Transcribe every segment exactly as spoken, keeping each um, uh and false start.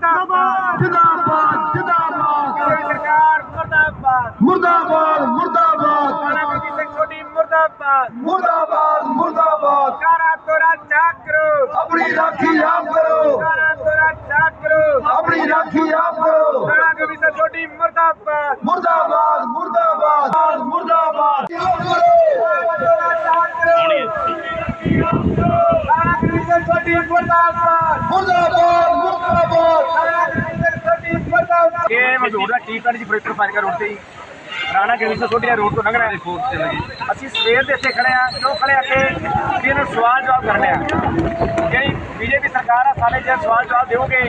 जिंदाबाद जिंदाबाद जिंदाबाद सरकार मुर्दाबाद मुर्दाबाद मुर्दाबाद राणा गुरमीत सिंह सोढी मुर्दाबाद मुर्दाबाद मुर्दाबाद कारा तोरा जाग करो अपनी राखी आप करो कारा तोरा जाग करो अपनी राखी आप करो राणा गुरमीत सिंह सोढी मुर्दाबाद मुर्दाबाद मुर्दाबाद मुर्दाबाद आप करो कारा तोरा जाग करो राणा गुरमीत सिंह सोढी मुर्दाबाद मुर्दाबाद मुर्दाबाद राणा गुरमीत सिंह सोढी मुर्दाबाद ਇਹ ਮੌਜੂਦਾ ਟੀ ਪਿੰਡ ਜੀ ਫਿਰੋਜ਼ਪੁਰ ਫਾਜ਼ਿਲਕਾ ਰੋਡ ਤੇ ਜੀ ਰਾਣਾ ਗੁਰਮੀਤ ਸਿੰਘ ਸੋਢੀ ਰੋਡ ਤੋਂ ਲੰਘਣਾ ਹੈ। ਅਸੀਂ ਸਵੇਰ ਦੇ ਇੱਥੇ ਖੜੇ ਆ ਕਿਉਂ ਖੜੇ ਆ ਕਿ ਵੀ ਇਹਨੂੰ ਸਵਾਲ ਜਵਾਬ ਕਰਨੇ ਆ। ਜਿਹੜੀ ਬੀਜੇਪੀ ਸਰਕਾਰ ਆ ਸਾਡੇ ਜੇ ਸਵਾਲ ਜਵਾਬ ਦੇਵੋਗੇ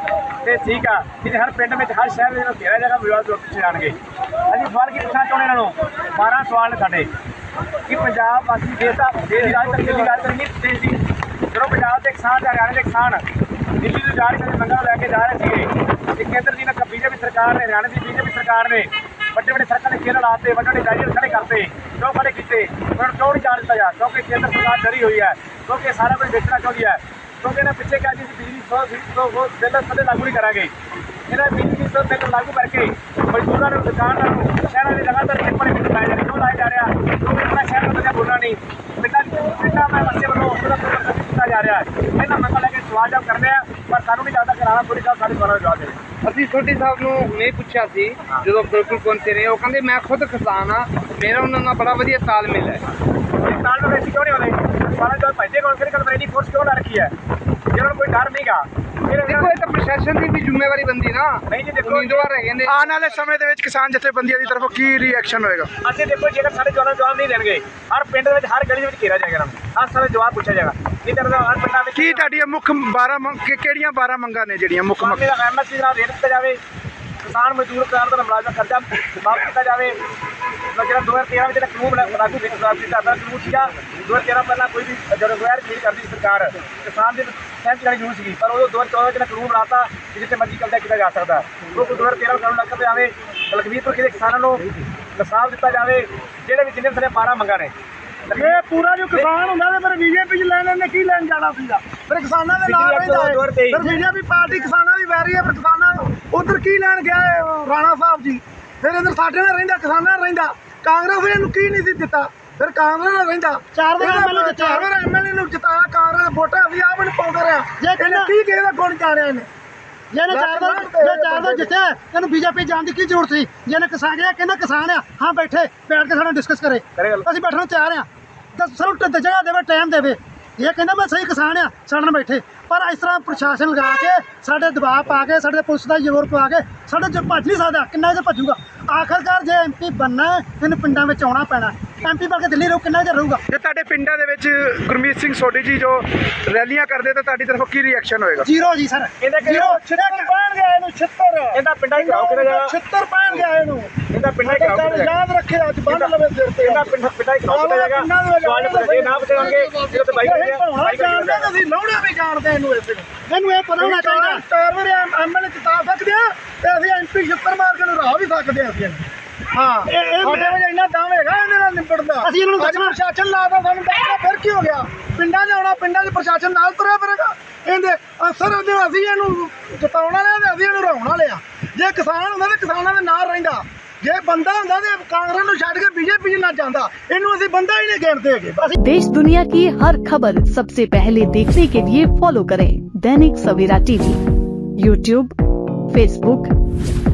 ਤੇ ਠੀਕ ਆ, ਨਹੀਂ ਹਰ ਪਿੰਡ ਵਿੱਚ ਹਰ ਸ਼ਹਿਰ ਵਿੱਚ ਘੇਰਾ ਜਗ੍ਹਾ ਵਿਵਾਦ ਤੋਂ ਪਿੱਛੇ ਜਾਣਗੇ। ਅਸੀਂ ਸਵਾਲ ਕੀ ਪੁੱਛਣਾ ਚਾਹੁੰਦੇ ਇਹਨਾਂ ਨੂੰ, ਬਾਰਾਂ ਸਵਾਲ ਨੇ ਸਾਡੇ ਕਿ ਪੰਜਾਬ ਵਾਸੀ ਦੇਸ਼ ਦਾ ਦੇਸ਼ ਦੀ ਰਾਜਧਾਨੀ ਦੀ ਗੱਲ ਕਰੀਏ ਦੇਸ਼ ਦੀ, ਜਦੋਂ ਪੰਜਾਬ ਦੇ ਕਿਸਾਨ ਤੇ ਹਰਿਆਣੇ ਦੇ ਕਿਸਾਨ ਦਿੱਲੀ ਤੋਂ ਜਾ ਰਹੇ ਮੰਗਾਂ ਲੈ ਕੇ ਜਾ ਰਹੇ ਸੀਗੇ ਤੇ ਕੇਂਦਰ ਦੀ ਨਾ ਬੀਜੇਪੀ ਸਰਕਾਰ ਨੇ ਹਰਿਆਣੇ ਦੀ ਬੀਜੇਪੀ ਸਰਕਾਰ ਨੇ ਵੱਡੇ ਵੱਡੇ ਸੜਕਾਂ ਦੇ ਕੇਂਦਰ ਲਾਤੇ, ਵੱਡੇ ਵੱਡੇ ਬੈਰੀਅਰ ਖੜੇ ਕਰਤੇ, ਕਿਉਂ ਖੜੇ ਕੀਤੇ? ਉਹਨਾਂ ਨੂੰ ਕਿਉਂ ਨਹੀਂ ਜਾਣ ਦਿੱਤਾ ਜਾ? ਕਿਉਂਕਿ ਕੇਂਦਰ ਸਰਕਾਰ ਡਰੀ ਹੋਈ ਹੈ, ਕਿਉਂਕਿ ਸਾਰਾ ਕੁਝ ਵੇਚਣਾ ਚਾਹੁੰਦੀ ਹੈ। ਕਿਉਂਕਿ ਇਹਨਾਂ ਪਿੱਛੇ ਕਿਹਾ ਜੀ ਬਿਜਲੀ ਸੌ ਸੌ ਬਿੱਲ ਕਦੇ ਲਾਗੂ ਨਹੀਂ ਕਰਾਂਗੇ। ਇਹਨਾਂ ਬਿਜਲੀ ਸੌ ਬਿੱਲ ਲਾਗੂ ਕਰਕੇ ਮਜ਼ਦੂਰਾਂ ਨੂੰ, ਦੁਕਾਨਦਾਰਾਂ ਨੂੰ ਸ਼ਹਿਰਾਂ ਦੇ ਲਗਾਤਾਰ ਪੇਪਰ ਵਿੱਚ ਲਾਏ ਜਾ ਰਹੇ। ਕਿਉਂ ਲਾਏ ਜਾ ਰਿਹਾ? ਕਿਉਂਕਿ ਆਪਣਾ ਸ਼ਹਿਰ ਦਾ ਬੋਲਣਾ ਨਹੀਂ, ਪਿੰਡਾਂ ਪਿੰਡਾਂ ਮੈਂ ਬੱਚੇ ਵੱਲੋਂ ਉਹਦਾ ਕੀਤਾ ਜਾ ਰਿਹਾ ਹੈ। ਇਹਨਾਂ ਮੰਗਾਂ ਲੈ ਕੇ ਸਵਾਲ ਜਵਾਬ ਕਰਦੇ ਆ, ਪਰ ਸਾਨੂੰ ਨਹੀਂ ਲੱਗਦਾ ਕਿ ਰਾਣਾ ਗੁਰਮੀਤ ਸਾਹਿਬ ਸਾਡੇ ਸਵਾਲਾਂ ਦਾ ਜਵਾਬ ਦੇਵੇ। ਅਸੀਂ ਸੋਢੀ ਸਾਹਿਬ ਨੂੰ ਨਹੀਂ ਪੁੱਛਿਆ ਸੀ ਜਦੋਂ ਬਿਲਕੁਲ ਪਹੁੰਚੇ ਰਹੇ, ਉਹ ਕਹਿੰਦੇ ਮੈਂ ਖੁਦ ਕਿਸਾਨ ਆ, ਮੇਰਾ ਉਹਨਾਂ ਨਾਲ ਬੜਾ ਵਧੀਆ ਤਾਲਮੇਲ ਹੈ। ਕਿਸਾਨ ਨੂੰ ਵੈਸੇ ਕਿਉਂ ਨਹੀਂ ਆਉਂਦੇ? ਸਵਾਲਾਂ ਜਵਾਬ ਭਾਈਦੇ ਕੋਲ ਫਿਰ ਕਲ ਇੰਨੀ ਫੋਰਸ ਕਿਉਂ ਲਾ ਰੱਖੀ ਹੈ? ਜਿਹਨਾਂ ਨੂੰ ਕੋਈ ਡਰ ਨਹੀਂਗਾ। ਦੇਖੋ ਇਹ ਤਾਂ ਪ੍ਰਸ਼ਾਸਨ ਦੀ ਵੀ ਜ਼ਿੰਮੇਵਾਰੀ ਬੰਦੀ ਨਾ, ਨਹੀਂ ਜੀ ਦੇਖੋ ਉਮੀਦਵਾਰ ਹੈਗੇ ਨੇ। ਆਉਣ ਵਾਲੇ ਸਮੇਂ ਦੇ ਵਿੱਚ ਕਿਸਾਨ ਜਥੇਬੰਦੀਆਂ ਦੀ ਤਰਫੋਂ ਕੀ ਰਿਐਕਸ਼ਨ ਹੋਏਗਾ? ਅਸੀਂ ਦੇਖੋ ਜੇਕਰ ਸਾਡੇ ਜਵਾਨਾਂ ਜਵਾਬ ਨਹੀਂ ਦੇਣਗੇ, ਹਰ ਪਿੰਡ ਦੇ ਵਿੱਚ ਹਰ ਗਲੀ ਦੇ ਵਿੱਚ ਘੇਰਾ ਜਾਏਗਾ, ਹਰ ਸਾਰੇ ਜਵਾਬ ਪੁੱਛਿਆ ਜਾਏਗਾ। ਨਹੀਂ ਤਾਂ ਹਰ ਪਿੰਡਾਂ ਵਿੱਚ ਕੀ ਤੁਹਾਡੀਆਂ ਮੁੱਖ ਬਾਰਾਂ ਮੰਗ ਕਿ- ਕਿਹੜੀਆਂ ਬਾਰਾਂ ਮੰਗਾਂ ਨੇ ਜਿਹੜੀਆਂ ਮੁੱਖ ਮੰਗ? ਮੇਰਾ ਐਮਐਸਪੀ ਨਾਲ ਰੇਟ ਦਿੱਤਾ ਜਾਵੇ, ਕਿਸਾਨ ਮਜ਼ਦੂਰ ਕਰਾਰ ਦਾ ਮੁਲਾਜ਼ਮ ਖਰਚਾ ਮਾਫ ਕੀਤਾ ਜਾਵੇ। ਜਿਹੜਾ ਦੋ ਹਜ਼ਾਰ ਤੇਰਾਂ ਵਿੱਚ ਜਿਹੜਾ ਕਾਨੂੰਨ ਲਾਗੂ ਕੀਤਾ ਦਾ ਕਾਨੂੰਨ ਸੀਗਾ, ਦੋ ਹਜ਼ਾਰ ਤੇਰਾਂ ਪਹਿਲਾਂ ਕੋਈ ਵੀ ਜਦੋਂ ਗੈਰ ਖਰੀਦ ਕਰਦੀ ਸੀ ਸਰਕਾਰ, ਕਿਸਾਨ ਦੇ ਸਹਿਮਤੀ ਲੈਣੀ ਜ਼ਰੂਰ ਸੀਗੀ, ਪਰ ਉਦੋਂ ਦੋ ਹਜ਼ਾਰ ਚੌਦਾਂ ਜਿਹੜਾ ਕਾਨੂੰਨ ਬਣਾਤਾ ਕਿ ਜਿੱਥੇ ਮਰਜ਼ੀ ਕਬਜ਼ਾ ਕੀਤਾ ਜਾ ਸਕਦਾ, ਉਹ ਦੋ ਹਜ਼ਾਰ ਤੇਰਾਂ ਕਾਨੂੰਨ ਲੱਗ ਜਾਵੇ। ਲਖਵੀਰ ਦੇ ਕਿਸਾਨਾਂ ਨੂੰ ਇਨਸਾਫ ਦਿੱਤਾ ਜਾਵੇ। ਜਿਹੜੇ ਵੀ ਜਿੰਨੇ ਸਾਰੇ ਬਾਰਾਂ ਮੰਗਾਂ ਨੇ, ਇਹ ਪੂਰਾ ਜੋ ਕਿਸਾਨ ਹੁੰਦਾ ਤੇ ਫਿਰ ਬੀਜੇਪੀ ਚ ਲੈਣ ਨੇ ਕੀ ਲੈਣ ਜਾਣਾ ਸੀਗਾ? ਫਿਰ ਕਿਸਾਨਾਂ ਦੇ ਨਾਲ ਰਹਿੰਦਾ ਹੈ, ਫਿਰ ਬੀਜੇਪੀ ਪਾਰਟੀ ਕਿਸਾਨਾਂ ਦੀ ਵੈਰੀ ਹੈ, ਫਿਰ ਕਿਸਾਨਾਂ ਉਧਰ ਕੀ ਲੈਣ ਗਿਆ ਹੈ ਰਾਣਾ ਸਾਹਿਬ ਜੀ? ਫਿਰ ਇਧਰ ਸਾਡੇ ਨਾਲ ਰਹਿੰਦਾ, ਕਿਸਾਨਾਂ ਨਾਲ ਰਹਿੰਦਾ। ਕਾਂਗਰਸ ਨੇ ਇਹਨੂੰ ਕੀ ਨਹੀਂ ਸੀ ਦਿੱਤਾ? ਫਿਰ ਕਾਂਗਰਸ ਨਾਲ ਰਹਿੰਦਾ, ਚਾਰ ਵਾਰ ਐਮਐਲਏ ਚਾਰ ਵਾਰ ਐਮਐਲਏ ਨੂੰ ਜਿਤਾਇਆ ਕਾਂਗਰਸ, ਵੋਟਾਂ ਅਸੀਂ ਆਪ ਨੂੰ ਪਾਉਂਦੇ ਰਿਹਾ। ਇਹਨੇ ਕੀ ਕਿਸੇ ਦਾ ਗੁਣ ਜਾਣਿਆ ਇਹਨੇ? ਜਿਹਨੇ ਚਾਰ ਦਾ ਜੇ ਚਾਰ ਦਾ ਜਿੱਤਿਆ ਇਹਨੂੰ ਬੀਜੇਪੀ ਜਾਣ ਦੀ ਕੀ ਜ਼ਰੂਰਤ ਸੀ? ਜਿਹਨੇ ਕਿਸਾਨ ਗਿਆ ਕਹਿੰਦਾ ਕਿਸਾਨ ਆ, ਹਾਂ ਬੈਠੇ ਬੈਠ ਕੇ ਸਾਨੂੰ ਡਿਸਕਸ ਕਰੇ, ਅਸੀਂ ਬੈਠਣ ਨੂੰ ਤਿਆਰ ਆ, ਤਾਂ ਸਾਨੂੰ ਟ- ਜਗ੍ਹਾ ਦੇਵੇ, ਟਾਈਮ ਦੇਵੇ। ਇਹ ਕਹਿੰਦਾ ਮੈਂ ਸਹੀ ਕਿਸਾਨ ਆ, ਸਾਡੇ ਨਾਲ ਬੈਠੇ। ਪਰ ਇਸ ਤਰ੍ਹਾਂ ਪ੍ਰਸ਼ਾਸਨ ਲਗਾ ਕੇ ਸਾਡੇ ਦਬਾਅ ਪਾ ਕੇ ਸਾਡੇ ਪੁਲਿਸ ਦਾ ਜ਼ੋਰ ਪਾ ਕੇ ਸਾਡੇ ਚ ਭੱਜ ਨਹੀਂ ਸਕਦਾ। ਕਿੰਨਾ ਚਿਰ ਭੱਜੂਗਾ? ਆਖਰਕਾਰ ਜੇ ਐਮ ਪੀ ਬਣਨਾ ਇਹਨੂੰ ਪਿੰਡਾਂ ਵਿੱਚ ਆਉਣਾ ਪੈਣਾ। ਐਮ ਪੀ ਬਣ ਕੇ ਦਿੱਲੀ ਰਹੂ, ਕਿੰਨਾ ਚਿਰ ਰਹੂਗਾ? ਜੇ ਤੁਹਾਡੇ ਪਿੰਡਾਂ ਦੇ ਵਿੱਚ ਗੁਰਮੀਤ ਸਿੰਘ ਸੋਢੀ ਜੀ ਜੋ ਰੈਲੀਆਂ ਕਰਦੇ ਤਾਂ ਤੁਹਾਡੀ ਤਰਫੋਂ ਕੀ ਰਿਐਕਸ਼ਨ ਹੋਏਗਾ? ਜ਼ੀਰੋ ਜੀ ਸਰ, ਇਹਦਾ ਕਿ ਜ਼ੀਰੋ। ਛਿੱਤਰ ਪੈਣ ਗਿਆ ਇਹਨੂੰ, ਛਿੱਤਰ ਇਹਦਾ ਪਿੰਡਾਂ ਹੀ ਕਰਾਓ ਕਿਹਦਾ ਜਾਏਗਾ? ਛਿੱਤਰ ਪੈਣ ਗਿਆ ਇਹਨੂੰ। ਇਹਦਾ ਪਿੰਡਾਂ ਹੀ ਕਰਾਓ ਕਿਹਦਾ ਜਾਏਗਾ? ਯਾਦ ਰੱਖੇ, ਅੱਜ ਬੰਨ ਲਵੇ ਸਿਰ ਤੇ। ਇਹਦਾ ਪਿੰਡ ਪਿੰਡਾਂ ਹੀ ਕਰਾਓ ਕਿਹਦਾ ਜਾਏਗਾ? ਸਵਾਲ ਪੁੱਛੇ ਨਾ ਪੁੱਛਾਂਗੇ ਜਦੋਂ ਤੇ ਬਾਈਕ ਇਹ ਭਾਉਣਾ ਜਾਣਦੇ ਤੇ ਅਸੀਂ ਲਾਉਣਾ ਵੀ ਜਾਣਦੇ ਇਹਨੂੰ। ਇਸ ਇਹਨੂੰ ਇਹ ਪਤਾ ਹੋਣਾ ਚਾਹੀਦਾ ਚਾਰ ਵਾਰੀ ਐਮਐਲਏ ਜਿਤਾ ਸਕਦੇ ਆ ਤੇ ਅਸੀਂ ਐਮਪੀ ਛਿੱਤਰ ਮਾਰ ਕੇ ਨੂੰ ਰਾਹ ਵੀ ਸਕਦੇ ਆ ਅਸੀਂ। ਹਾਂ ਇਹ ਸਾਡੇ ਵਿੱਚ ਇੰਨਾ ਦਮ ਹੈਗਾ ਇਹਦੇ ਨਾਲ ਨਿਬੜਦਾ। ਅਸੀਂ ਇਹਨੂੰ ਦੱਸਣਾ ਪ੍ਰਸ਼ਾਸਨ ਲਾਦਾ ਸਾਨੂੰ ਦੱਸਣਾ, ਫਿਰ ਕੀ ਹੋ ਗਿਆ? ਪਿੰਡਾਂ 'ਚ ਆਉਣਾ, ਪਿੰਡਾਂ 'ਚ ਪ੍ਰਸ਼ਾਸਨ ਨਾਲ ਤੁਰਿਆ ਫਿਰੇਗਾ। ਇਹਦੇ ਅਸਰ ਉਹਦੇ ਅਸੀਂ ਇਹਨੂੰ ਜਿਤਾਉਣ ਵਾਲੇ ਆ ਤੇ ਅਸੀਂ ਇਹਨੂੰ ਹਰਾਉਣ ਵਾਲੇ ਆ। ਜੇ ਕਿਸਾਨ ਹੁੰਦਾ ਤੇ ਕਿਸਾਨਾਂ ਦੇ ਨਾਲ ਰਹਿੰਦਾ, ਜੇ ਬੰਦਾ ਹੁੰਦਾ ਤੇ ਕਾਂਗਰਸ ਨੂੰ ਛੱਡ ਕੇ बीजेपी ਚ ਨਾ ਜਾਂਦਾ। ਇਹਨੂੰ ਅਸੀਂ ਬੰਦਾ ਹੀ ਨਹੀਂ ਗਿਣਦੇ ਹੈਗੇ। देश दुनिया की हर खबर सबसे पहले देखने के लिए फॉलो करें Dainik Savera TV, YouTube, Facebook,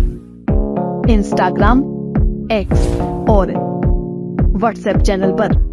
Instagram, X और व्हाट्सएप चैनल पर।